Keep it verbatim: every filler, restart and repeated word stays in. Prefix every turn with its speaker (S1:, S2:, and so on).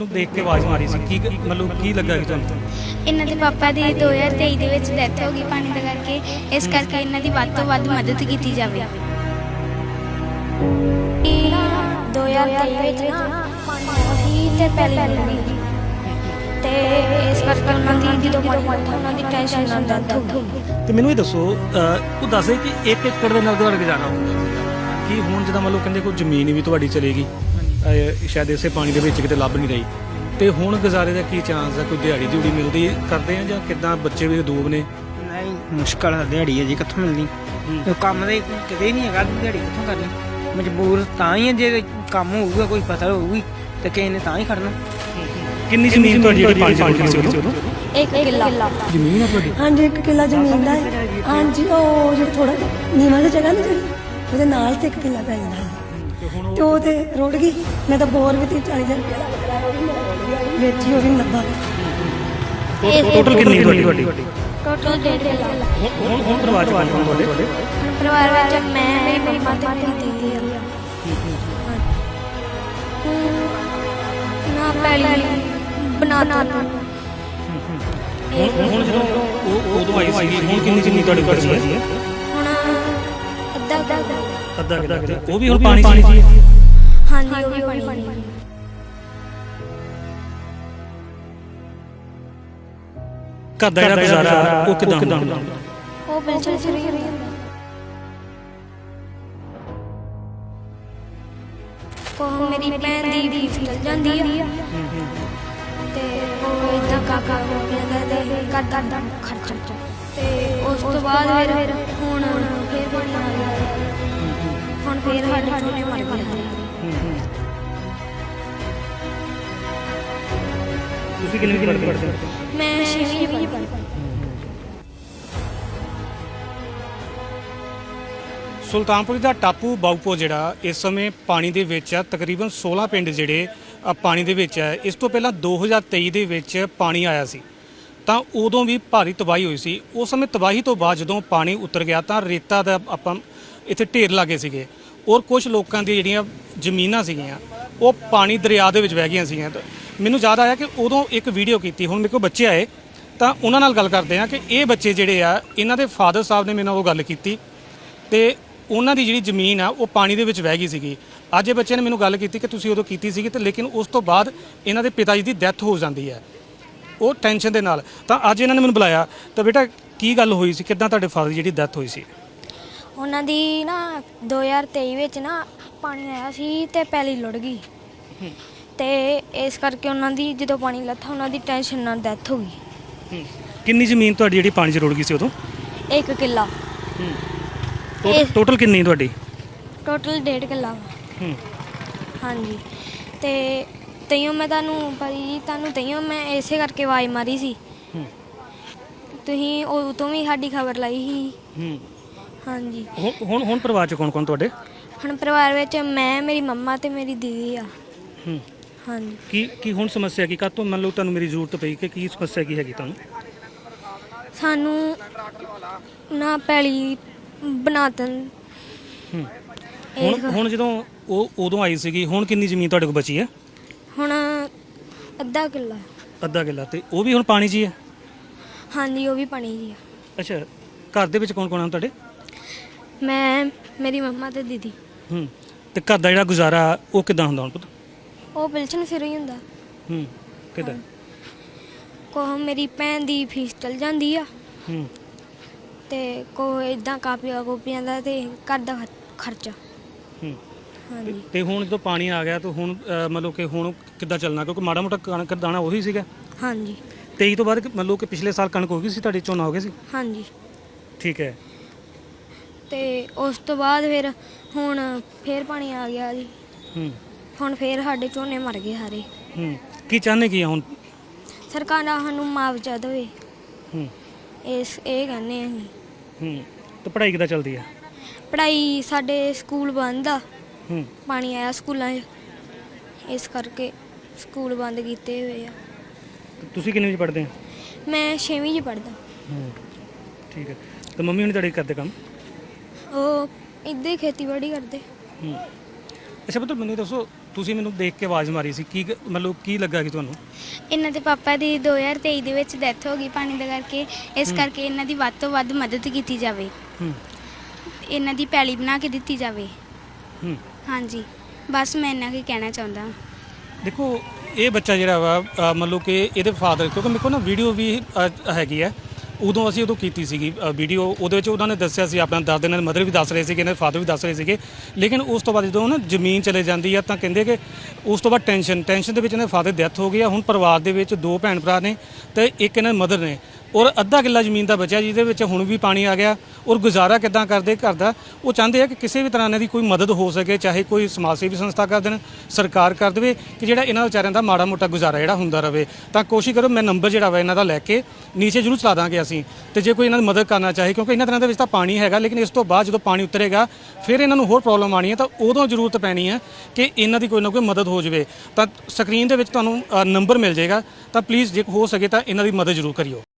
S1: देख के आवाज़ मारी सी की मतलब की लगा कि तुहानू
S2: ਇਹਨਾਂ ਦੇ ਪਾਪਾ ਦੀ दो हज़ार तेईस ਦੇ ਵਿੱਚ ਡੈਥ ਹੋ ਗਈ ਪਾਣੀ ਦਾ ਕਰਕੇ। ਇਸ ਕਰਕੇ ਇਹਨਾਂ ਦੀ ਵੱਧ ਤੋਂ ਵੱਧ ਮਦਦ ਕੀਤੀ ਜਾਵੇ।
S3: दो हज़ार तेईस ਵਿੱਚ ਨਾ ਪਾਣੀ ਆਇਆ ਸੀ ਤੇ ਪਹਿਲੀ ਲੱਗੀ ਤੇ ਇਸ ਕਰਕੇ ਉਹਨਾਂ ਦੀ ਜਦੋਂ ਪਾਣੀ ਆਇਆ ਉਹਨਾਂ ਦੀ ਟੈਨਸ਼ਨ ਨਾਲ ਡੈਥ ਹੋ ਗਈ।
S1: ਤੇ ਮੈਨੂੰ ਇਹ ਦੱਸੋ ਉਹ ਦੱਸੇ ਕਿ ਇੱਕ ਏਕੜ ਦੇ ਨਾਲ ਤੁਹਾਡਾ ਗੁਜ਼ਾਰਾ ਕੀ ਹੁਣ ਜਦੋਂ ਮੰਨ ਲਓ ਕਹਿੰਦੇ ਕੋਈ ਜ਼ਮੀਨ ਵੀ ਤੁਹਾਡੀ ਚਲੇਗੀ ਸ਼ਾਇਦ ਇਸੇ ਪਾਣੀ ਦੇ ਵਿੱਚ ਕਿਤੇ ਲੱਭ ਨਹੀਂ ਰਹੀ ਤੇ ਹੁਣ ਗੁਜ਼ਾਰੇ ਦਾ ਕੀ ਚਾਂਸ ਹੈ? ਕੋਈ ਦਿਹਾੜੀ ਦਿਹੜੀ ਮਿਲਦੀ ਕਰਦੇ ਆ ਜਾਂ ਕਿੱਦਾਂ? ਬੱਚੇ ਵੀ ਦੂਬ ਨੇ।
S4: ਨਹੀਂ ਮੁਸ਼ਕਲ ਹੈ ਦਿਹਾੜੀ ਹੈ ਜੀ, ਕਿੱਥੋਂ ਮਿਲਣੀ? ਇਹ ਕੰਮ ਦੇ ਕਿਤੇ ਨਹੀਂ ਹੈਗਾ, ਦਿਹਾੜੀ ਕਿੱਥੋਂ ਕਰਨੀ? ਮਜਬੂਰ ਤਾਂ ਹੀ ਹੈ, ਜੇ ਕੰਮ ਹੋਊਗਾ ਕੋਈ ਫਸਲ ਹੋਊਗੀ ਤੇ ਕਿਸੇ ਨੇ ਤਾਂ ਹੀ ਖੜਨਾ।
S1: ਕਿੰਨੀ ਜ਼ਮੀਨ ਤੁਹਾਡੀ ਜਿਹੜੀ ਪਾਣੀ ਚ ਸੀ ਉਦੋਂ?
S3: ਇੱਕ ਕਿੱਲਾ
S1: ਜ਼ਮੀਨ ਹੈ ਤੁਹਾਡੀ?
S5: ਹਾਂਜੀ ਇੱਕ ਕਿੱਲਾ ਜ਼ਮੀਨ ਦਾ ਹੈ। ਹਾਂਜੀ ਉਹ ਜਿਹੜਾ ਥੋੜਾ ਨੀਵਾਂ ਦੀ ਜਗ੍ਹਾ ਨਾ ਜਿਹੜੀ ਉਹਦੇ ਨਾਲ ਤੇ ਇੱਕ ਕਿੱਲਾ ਪੈ ਜਾਂਦਾ ਹੈ ਤੇ ਉਹ ਤੇ ਰੁੜ ਗਈ। ਮੈਂ ਤਾਂ ਬੋਰ ਵੀ ਤੀਹ ਚਾਲੀ ਹਜ਼ਾਰ ਰੁਪਇਆ ਵੇਚੀ, ਉਹ ਵੀ ਲੱਭਾ।
S1: ਟੋਟਲ ਕਿੰਨੀ ਤੁਹਾਡੀ?
S3: ਟੋਟਲ ਡੇਢ ਕਿੱਲਾ।
S1: ਹੁਣ ਹੁਣ ਪਰਿਵਾਰ ਚ ਕੌਣ ਕੌਣ ਤੁਹਾਡੇ?
S3: ਪਰਿਵਾਰ ਵਿੱਚ ਮੈਂ ਮੇਰੀ ਮੰਮਾ ਤੇ ਮੇਰੀ ਦੀਦੀ ਆ। ਨਾ ਪਹਿਲੀ ਬਣਾ ਤਾ
S1: ਹੁਣ ਹੁਣ ਜਦੋਂ ਉਹ ਉਦੋਂ ਆਈ ਸੀਗੀ ਹੁਣ ਕਿੰਨੀ ਜ਼ਮੀਨ ਤੁਹਾਡੇ ਕੋਲ ਹੈ?
S3: ਹੁਣ ਅੱਧਾ ਅੱਧਾ
S1: ਅੱਧਾ ਕਿੱਲਾ ਤੇ ਉਹ ਵੀ ਹੁਣ ਪਾਣੀ ਚ ਹੀ ਹੈ?
S3: ਹਾਂਜੀ ਉਹ ਵੀ ਪਾਣੀ ਹੈ।
S1: ਘਰ ਦਾ ਜਿਹੜਾ ਗੁਜ਼ਾਰਾ ਉਹ ਕਿਦਾਂ ਹੁੰਦਾ?
S3: ਉਹ ਬਿਲਕੁਲ ਸਹੀ ਹੁੰਦਾ। ਉਹ ਮੇਰੀ ਭੈਣ ਦੀ ਫੀਸ ਚਲ ਜਾਂਦੀ ਆ ਤੇ ਉਹ ਇਦਾਂ ਕਾਕਾ ਕੋਪੀਆਂ ਦਾ ਤੇ ਕਰਦਾ ਦਾ ਖਰਚਾ ਤੇ ਉਸ ਤੋਂ ਬਾਅਦ ਫਿਰ ਹੁਣ ਫਿਰ ਪਾਣੀ ਆ ਗਿਆ। ਹੁਣ ਫਿਰ ਸਾਡੇ ਝੋਨੇ ਮਰ ਗਏ।
S1: ਤੁਸੀਂ ਕਿੰਨੇ ਵੀ ਪੜ੍ਹਦੇ ਹੋ?
S3: ਮੈਂ ਛੇਵੀਂ ਵਿੱਚ ਪੜ੍ਹਦੀ।
S1: ਸੁਲਤਾਨਪੁਰ ਦਾ ਟਾਪੂ ਬਾਉਪੋ ਜਿਹੜਾ ਇਸ ਸਮੇਂ ਪਾਣੀ ਦੇ ਵਿੱਚ ਆ। ਤਕਰੀਬਨ सोलह ਪਿੰਡ ਜਿਹੜੇ ਪਾਣੀ ਦੇ ਵਿੱਚ ਹੈ। ਇਸ ਤੋਂ ਪਹਿਲਾਂ दो हज़ार तेईस ਦੇ ਵਿੱਚ ਪਾਣੀ ਆਇਆ ਸੀ ਤਾਂ ਉਦੋਂ ਵੀ ਭਾਰੀ ਤਬਾਹੀ ਹੋਈ ਸੀ। ਉਸ ਸਮੇਂ ਤਬਾਹੀ ਤੋਂ ਬਾਅਦ ਜਦੋਂ ਪਾਣੀ ਉਤਰ ਗਿਆ ਤਾਂ ਰੇਤਾ ਦਾ ਆਪਾਂ ਇੱਥੇ ਢੇਰ ਲਾਗੇ ਸੀਗੇ ਔਰ ਕੁਝ ਲੋਕਾਂ ਦੀ ਜਿਹੜੀਆਂ ਜ਼ਮੀਨਾਂ ਸੀਗੀਆਂ ਉਹ ਪਾਣੀ ਦਰਿਆ ਦੇ ਵਿੱਚ ਵਹਿ ਗਈਆਂ ਸੀਗੀਆਂ। ਮੈਨੂੰ ਯਾਦ ਆਇਆ ਕਿ ਉਦੋਂ ਇੱਕ ਵੀਡੀਓ ਕੀਤੀ। ਹੁਣ ਮੇਰੇ ਕੋਲ ਬੱਚੇ ਆਏ ਤਾਂ ਉਹਨਾਂ ਨਾਲ ਗੱਲ ਕਰਦੇ ਆ ਕਿ ਇਹ ਬੱਚੇ ਜਿਹੜੇ ਆ ਇਹਨਾਂ ਦੇ ਫਾਦਰ ਸਾਹਿਬ ਨੇ ਮੇਰੇ ਨਾਲ ਉਹ ਗੱਲ ਕੀਤੀ ਤੇ ਉਹਨਾਂ ਦੀ ਜਿਹੜੀ ਜ਼ਮੀਨ ਆ ਉਹ ਪਾਣੀ ਦੇ ਵਿੱਚ ਵਹਿ ਗਈ ਸੀਗੀ। ਅੱਜ ਇਹ ਬੱਚੇ ਨੇ ਮੈਨੂੰ ਗੱਲ ਕੀਤੀ ਕਿ ਤੁਸੀਂ ਉਦੋਂ ਕੀਤੀ ਸੀਗੀ ਤੇ ਲੇਕਿਨ ਉਸ ਤੋਂ ਬਾਅਦ ਇਹਨਾਂ ਦੇ ਪਿਤਾ ਜੀ ਦੀ ਡੈਥ ਹੋ ਜਾਂਦੀ ਹੈ ਉਹ ਟੈਨਸ਼ਨ ਦੇ ਨਾਲ। ਤਾਂ ਅੱਜ ਇਹਨਾਂ ਨੇ ਮੈਨੂੰ ਬੁਲਾਇਆ ਤਾਂ ਬੇਟਾ ਕੀ ਗੱਲ ਹੋਈ ਸੀ, ਕਿੱਦਾਂ ਤੁਹਾਡੇ ਫਾਦਰ ਦੀ ਜਿਹੜੀ ਡੈਥ ਹੋਈ ਸੀ?
S3: ਉਹਨਾਂ ਦੀ ਨਾ दो हज़ार तेईस ਵਿੱਚ ਨਾ ਪਾਣੀ ਆਇਆ ਸੀ ਤੇ ਪੈਲੀ ਲੁੜ ਗਈ ਤੇ ਇਸ ਕਰਕੇ ਉਹਨਾਂ ਦੀ ਜਦੋਂ ਪਾਣੀ ਲੱਥਾ ਉਹਨਾਂ ਦੀ ਟੈਨਸ਼ਨ ਨਾਲ ਡੈਥ ਹੋ ਗਈ।
S1: ਕਿੰਨੀ ਜ਼ਮੀਨ ਤੁਹਾਡੀ ਜਿਹੜੀ ਪਾਣੀ 'ਚ ਰੁੜ ਗਈ ਸੀ ਉਦੋਂ?
S3: ਇੱਕ ਕਿੱਲਾ।
S1: ਟੋਟਲ ਕਿੰਨੀ ਤੁਹਾਡੀ?
S3: ਟੋਟਲ ਡੇਢ ਕਿੱਲਾ। ਹਾਂਜੀ ਤੇ ਤਈਓ ਮੈਂ ਤੁਹਾਨੂੰ ਭਾਈ ਤੁਹਾਨੂੰ ਤਈਓ ਮੈਂ ਇਸੇ ਕਰਕੇ ਆਵਾਜ਼ ਮਾਰੀ ਸੀ। ਤੁਸੀਂ ਉਹ ਤੋਂ ਵੀ ਸਾਡੀ ਖਬਰ ਲਾਈ ਸੀ। ਹਾਂਜੀ
S1: ਹੁਣ ਹੁਣ ਪਰਿਵਾਰ 'ਚ ਕੌਣ ਕੌਣ ਤੁਹਾਡੇ?
S3: ਹੁਣ ਪਰਿਵਾਰ ਵਿੱਚ ਮੈਂ ਮੇਰੀ ਮੰਮਾ ਤੇ ਮੇਰੀ ਦੀਦੀ ਆ। ਹਾਂਜੀ
S1: ਕੀ ਕੀ ਹੁਣ ਸਮੱਸਿਆ ਕੀ ਕਾਹਤੋਂ ਮੰਨ ਲਓ ਤੁਹਾਨੂੰ ਮੇਰੀ ਜ਼ਰੂਰਤ ਪਈ ਕਿ ਕੀ ਸਮੱਸਿਆ ਕੀ ਹੈਗੀ ਤੁਹਾਨੂੰ?
S3: ਸਾਨੂੰ ਨਾ ਪੈਲੀ ਬਣਾ ਤਨ।
S1: ਹੁਣ ਹੁਣ ਜਦੋਂ ਉਹ ਉਦੋਂ ਆਈ ਸੀਗੀ ਹੁਣ ਕਿੰਨੀ ਜ਼ਮੀਨ ਤੁਹਾਡੇ ਕੋਲ ਬਚੀ ਹੈ?
S3: ਹੁਣ ਅੱਧਾ ਕਿੱਲਾ।
S1: ਅੱਧਾ ਕਿੱਲਾ ਤੇ ਉਹ ਵੀ ਹੁਣ ਪਾਣੀ 'ਚ ਹੀ ਹੈ?
S3: ਹਾਂਜੀ ਉਹ ਵੀ ਪਾਣੀ ਜੀ ਆ।
S1: ਅੱਛਾ ਘਰ ਦੇ ਵਿੱਚ ਕੌਣ ਕੌਣ ਆ ਤੁਹਾਡੇ?
S3: ਮੈਂ ਮੇਰੀ ਮੰਮਾ ਤੇ ਦੀਦੀ।
S1: ਹੂੰ ਤੇ ਘਰ ਦਾ ਜਿਹੜਾ ਗੁਜ਼ਾਰਾ ਉਹ ਕਿੱਦਾਂ ਹੁੰਦਾ ਹੁਣ ਪੁੱਤ?
S3: ਉਹ ਬਿਲਕੁਲ ਸਿਰ ਹੀ ਹੁੰਦਾ।
S1: ਹੂੰ ਕਿੱਦਾਂ?
S3: ਕੋਹ ਮੇਰੀ ਭੈਣ ਦੀ ਫੀਸ ਚਲ ਜਾਂਦੀ ਆ
S1: ਹੂੰ
S3: ਤੇ ਕੋਹ ਇਦਾਂ ਕਾਪੀਆਂ ਕੋਪੀਆਂ ਦਾ ਤੇ ਘਰ ਦਾ ਖਰਚਾ।
S1: ਹੂੰ
S3: ਹਾਂਜੀ
S1: ਤੇ ਹੁਣ ਜਦੋਂ ਪਾਣੀ ਆ ਗਿਆ ਤਾਂ ਹੁਣ ਮਤਲਬ ਕਿ ਹੁਣ ਕਿੱਦਾਂ ਚੱਲਣਾ? ਕਿਉਂਕਿ ਮਾੜਾ ਮੋਟਾ ਕਣਕ ਦਾਣਾ ਉਹੀ ਸੀਗਾ।
S3: ਹਾਂਜੀ
S1: ਤੇਈ ਤੋਂ ਬਾਅਦ ਮਤਲਬ ਕਿ ਪਿਛਲੇ ਸਾਲ ਕਣਕ ਹੋ ਗਈ ਸੀ ਤੁਹਾਡੀ, ਝੋਨਾ ਹੋ ਗਿਆ ਸੀ?
S3: ਹਾਂਜੀ
S1: ਠੀਕ ਹੈ।
S3: ਤੇ ਉਸ ਤੋਂ ਬਾਅਦ ਫਿਰ ਹੁਣ ਫੇਰ ਪਾਣੀ ਆ ਗਿਆ ਜੀ।
S1: ਹੂੰ
S3: ਹੁਣ ਫੇਰ ਸਾਡੇ ਝੋਨੇ ਮਰ ਗਏ ਸਾਰੇ।
S1: ਹੂੰ ਕੀ ਚਾਹੁੰਦੇ ਕੀ ਆ ਹੁਣ?
S3: ਸਰਕਾਰ ਸਾਨੂੰ ਮੁਆਵਜ਼ਾ ਦੇਵੇ
S1: ਹੂੰ
S3: ਇਸ ਇਹ ਕਹਿੰਦੇ ਅਸੀਂ।
S1: ਹੂੰ ਤੇ ਪੜ੍ਹਾਈ ਕਿੱਦਾਂ ਚੱਲਦੀ ਆ?
S3: ਪੜ੍ਹਾਈ ਸਾਡੇ ਸਕੂਲ ਬੰਦ ਆ।
S1: ਹੂੰ
S3: ਪਾਣੀ ਆਇਆ ਸਕੂਲਾਂ 'ਚ ਇਸ ਕਰਕੇ ਸਕੂਲ ਬੰਦ ਕੀਤੇ ਹੋਏ ਆ।
S1: ਤੁਸੀਂ ਕਿੰਨੇ ਵਜੇ ਪੜ੍ਹਦੇ ਆ?
S3: ਮੈਂ ਛੇਵੀਂ 'ਚ ਪੜ੍ਹਦਾ।
S1: ਹੂੰ ਠੀਕ ਹੈ। ਤੇ ਮੰਮੀ ਹੁਣੀ ਤੁਹਾਡੇ ਕਰਦੇ ਕੰਮ?
S3: ਉਹ ਇੱਦਾਂ ਹੀ ਖੇਤੀਬਾੜੀ ਕਰਦੇ।
S1: ਹੂੰ ਅੱਛਾ ਪੁੱਤਰ ਮੈਨੂੰ ਦੱਸੋ ਤੁਸੀਂ ਮੈਨੂੰ ਦੇਖ ਕੇ ਆਵਾਜ਼ ਮਾਰੀ ਸੀ, ਕੀ ਗ- ਮਤਲਬ ਕੀ ਲੱਗਾ ਕਿ ਤੁਹਾਨੂੰ?
S2: ਇਹਨਾਂ ਦੇ ਪਾਪਾ ਦੀ ਦੋ ਹਜ਼ਾਰ ਤੇਈ ਦੇ ਵਿੱਚ ਡੈਥ ਹੋ ਗਈ ਪਾਣੀ ਦੇ ਕਰਕੇ, ਇਸ ਕਰਕੇ ਇਹਨਾਂ ਦੀ ਵੱਧ ਤੋਂ ਵੱਧ ਮਦਦ ਕੀਤੀ ਜਾਵੇ,
S1: ਹੂੰ
S2: ਇਹਨਾਂ ਦੀ ਪੈਲੀ ਬਣਾ ਕੇ ਦਿੱਤੀ ਜਾਵੇ।
S1: ਹੂੰ
S2: ਹਾਂਜੀ, ਬਸ ਮੈਂ ਇੰਨਾ ਕੀ ਕਹਿਣਾ ਚਾਹੁੰਦਾ।
S1: ਦੇਖੋ ਇਹ ਬੱਚਾ ਜਿਹੜਾ ਵਾ ਅ, ਮਤਲਬ ਕਿ ਇਹਦੇ ਫਾਦਰ, ਕਿਉਂਕਿ ਮੇਰੇ ਕੋਲ ਨਾ ਵੀਡੀਓ ਵੀ ਅ, ਹੈਗੀ ਹੈ, ਉਦੋਂ ਅਸੀਂ ਉਦੋਂ ਕੀਤੀ ਸੀਗੀ ਵੀਡੀਓ, ਉਹਦੇ ਵਿੱਚ ਉਹਨਾਂ ਨੇ ਦੱਸਿਆ ਸੀ, ਆਪਣਾ ਦਾਦੇ ਨਾਲ ਮਦਰ ਵੀ ਦੱਸ ਰਹੇ ਸੀਗੇ, ਇਹਨਾਂ ਦੇ ਫਾਦਰ ਵੀ ਦੱਸ ਰਹੇ ਸੀਗੇ। ਲੇਕਿਨ ਉਸ ਤੋਂ ਬਾਅਦ ਜਦੋਂ ਨਾ ਜ਼ਮੀਨ ਚਲੇ ਜਾਂਦੀ ਆ ਤਾਂ ਕਹਿੰਦੇ ਕਿ ਉਸ ਤੋਂ ਬਾਅਦ ਟੈਨਸ਼ਨ ਟੈਨਸ਼ਨ ਦੇ ਵਿੱਚ ਇਹਨਾਂ ਦੇ ਫਾਦਰ ਡੈਥ ਹੋ ਗਈ ਆ। ਹੁਣ ਪਰਿਵਾਰ ਦੇ ਵਿੱਚ ਦੋ ਭੈਣ ਭਰਾ ਨੇ ਤੇ ਇੱਕ ਇਹਨਾਂ ਦੇ ਮਦਰ ਨੇ, ਔਰ ਅੱਧਾ ਕਿੱਲਾ ਜ਼ਮੀਨ ਦਾ ਬਚਿਆ ਜਿਹਦੇ ਵਿੱਚ ਹੁਣ ਵੀ ਪਾਣੀ ਆ ਗਿਆ, ਔਰ ਗੁਜ਼ਾਰਾ ਕਿੱਦਾਂ ਕਰਦੇ ਘਰ ਦਾ। ਉਹ ਚਾਹੁੰਦੇ ਆ ਕਿ ਕਿਸੇ ਵੀ ਤਰ੍ਹਾਂ ਇਹਨਾਂ ਦੀ ਕੋਈ ਮਦਦ ਹੋ ਸਕੇ, ਚਾਹੇ ਕੋਈ ਸਮਾਜ ਸੇਵੀ ਸੰਸਥਾ ਕਰ ਦੇਣ, ਸਰਕਾਰ ਕਰ ਦੇਵੇ, ਕਿ ਜਿਹੜਾ ਇਹਨਾਂ ਵਿਚਾਰਿਆਂ ਦਾ ਮਾੜਾ ਮੋਟਾ ਗੁਜ਼ਾਰਾ ਜਿਹੜਾ ਹੁੰਦਾ ਰਵੇ। ਤਾਂ ਕੋਸ਼ਿਸ਼ ਕਰੋ, ਮੈਂ ਨੰਬਰ ਜਿਹੜਾ ਵਾ ਇਹਨਾਂ ਦਾ ਲੈ ਕੇ ਨੀਚੇ ਜ਼ਰੂਰ ਚਲਾ ਦਾਂਗੇ ਅਸੀਂ, ਤੇ ਜੇ ਕੋਈ ਇਹਨਾਂ ਦੀ ਮਦਦ ਕਰਨਾ ਚਾਹੇ, ਕਿਉਂਕਿ ਇਹਨਾਂ ਦਿਨਾਂ ਦੇ ਵਿੱਚ ਤਾਂ ਪਾਣੀ ਹੈਗਾ, ਲੇਕਿਨ ਇਸ ਤੋਂ ਬਾਅਦ ਜਦੋਂ ਪਾਣੀ ਉਤਰੇਗਾ ਫਿਰ ਇਹਨਾਂ ਨੂੰ ਹੋਰ ਪ੍ਰੋਬਲਮ ਆਣੀ ਹੈ, ਤਾਂ ਉਦੋਂ ਜ਼ਰੂਰਤ ਪੈਣੀ ਹੈ ਕਿ ਇਹਨਾਂ ਦੀ ਕੋਈ ਨਾ ਕੋਈ ਮਦਦ ਹੋ ਜਾਵੇ। ਤਾਂ ਸਕਰੀਨ ਦੇ ਵਿੱਚ ਤੁਹਾਨੂੰ ਨੰਬਰ ਮਿਲ ਜਾਏਗਾ, ਤਾਂ ਪਲੀਜ਼ ਜੇ ਹੋ ਸਕੇ ਤਾਂ ਇਹਨਾਂ ਦੀ ਮਦਦ ਜ਼ਰੂਰ ਕਰਿਓ।